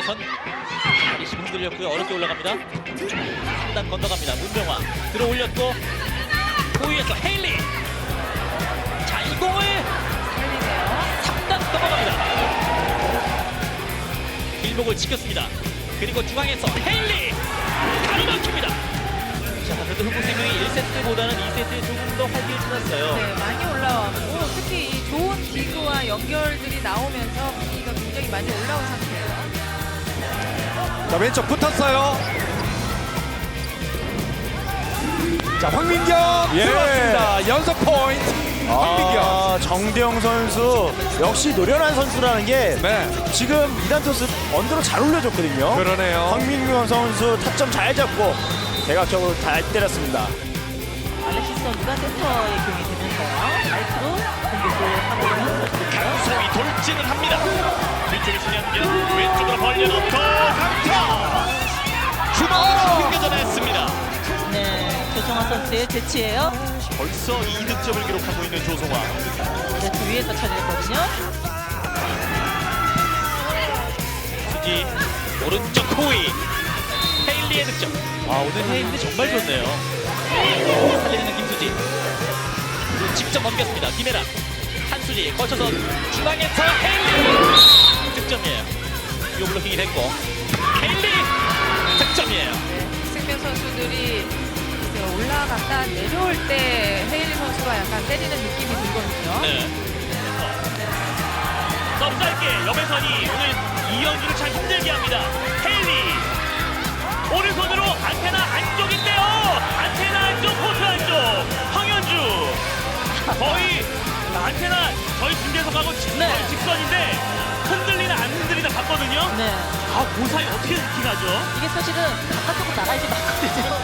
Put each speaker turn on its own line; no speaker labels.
중앙에선 리시브 흔들렸고요. 어렵게 올라갑니다. 3단 건너갑니다. 문명화 들어올렸고 호위에서 헤일리. 자, 이 공을 3단 넘어갑니다. 길목을 지켰습니다. 그리고 중앙에서 헤일리 가로막힙니다. 자, 그래도 흥국생명이 1세트보다는 2세트에 조금 더 활기해졌어요.
네, 많이 올라왔고 특히 이 좋은 디그와 연결들이 나오면서 분위기가 굉장히 많이 올라온 상태예요.
자, 왼쪽 붙었어요. 자, 황민경 들어왔습니다. 연속 포인트. 황민경.
정대영 선수 역시 노련한 선수라는 게
네,
지금 2단 토스 언더로 잘 올려줬거든요.
그러네요.
황민경 선수 타점 잘 잡고 대각적으로 잘 때렸습니다.
알렉시스 선수가 센터에 기용이 되면서요. 라이트로 공격을 하고 있는 모습이고요.
소위 돌진을 합니다. 뒤쪽에 신현균 왼쪽으로 벌려놓고 강타. 주먹으로 튕겨져냈습니다.
네, 조성화 선수의 재치예요.
벌써 2득점을 기록하고 있는 조성화.
네트 위에서 처리했거든요.
수지 오른쪽 호이. 헤일리의 득점. 아, 오늘 헤일리 정말 좋네요. 살리는 김수지. 그리고 직접 넘겼습니다. 김혜라. 한수지 거쳐서 중앙에서 헤일리 득점이에요. 요 블로킹이 됐고 헤일리 득점이에요.
생명 선수들이 올라갔다 내려올 때 헤일리 선수가 약간 때리는 느낌이 들거든요.
네. 너무 짧게 염혜선이 오늘 이현주를 참 힘들게 합니다. 헤일리 오른손으로 안테나 안쪽인데요. 안테나 안쪽 코트 안쪽 황현주 거의 안테나 저희 중계에서 가고 거의 직선인데 흔들리나 안 흔들리나 봤거든요.
네.
아, 그 사이 어떻게 느끼나죠?
이게 사실은 바깥쪽으로 나가야지 맞거든요.